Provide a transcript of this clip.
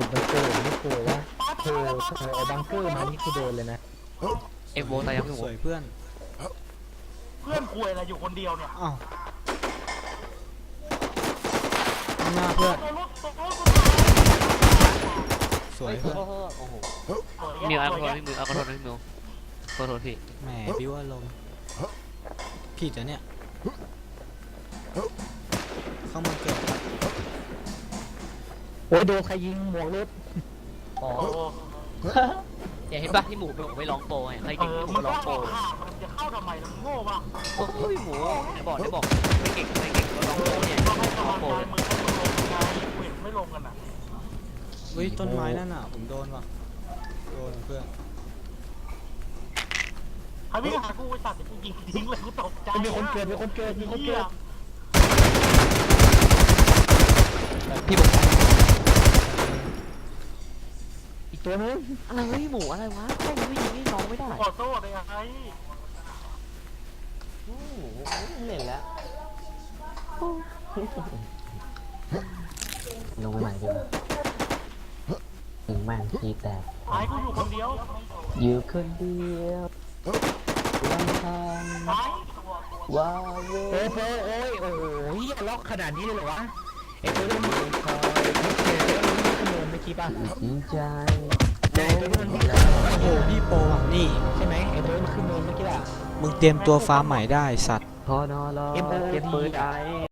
หุดบังเกอร์ไม่กลัวว่าเธอเอาบังเกอร์มานี่คือโดนเลยนะเอ็กโวตายยังพี่หมูสวยเพื่อนเพื่อนคุยอะไรอยู่คนเดียวเนี่ยอ้าวหน้าเพื่อนสวยเพื่อนโอ้โหมิวเอาขอโทษพี่มิวเอาขอโทษพี่มิวขอโทษพี่แหมบิ้วอารมณ์ผิดอะเนี่ยเข้ามาเกิดโอ้ยโดนใครยิงหมวกรถอ๋ออย่าเห็นป่ะที่หมูไปลองโปรไงใครเก่งที่หมูลองโปรมันจะเข้าทำไมมันโง่ป่ะโอ้ยหมูได้บอกไม่เก่งก็ลองโปรเนี่ยลองโปรเลยมึงลงไงเห็นไม่ลงกันอ่ะเฮ้ยต้นไม้นั่นน่ะผมโดนว่ะโดนเพื่อนใครวิ่งหากูไอ้สัตว์กูยิงทิ้งเลยกูตกใจมีคนเกิดพี่บอกอีกตัวนึงอะไรวะพี่หมูอะไรวะใครไม่ยิงให้น้องไม่ได้ขอโทษเลยไอ้เล่นแล้วลงไปไหนดีวะถึงแม่งทีแตกไอ้กูอยู่คนเดียวอยู่คนเดียวลำพังว้าวโอ้ยล็อกขนาดนี้เลยเหรอวะไอ้ตัวนี้มันคอยขโมยเมื่อกี้ป่ะจริงใจโอ้โหพี่โปอ่ะนี่ใช่ไหมไอ้ตัวนี้มันขโมยเมื่อกี้อ่ะมึงเตรียมตัวฟาร์มใหม่ได้สัตว์พอนอรอเก็บปืนไอ้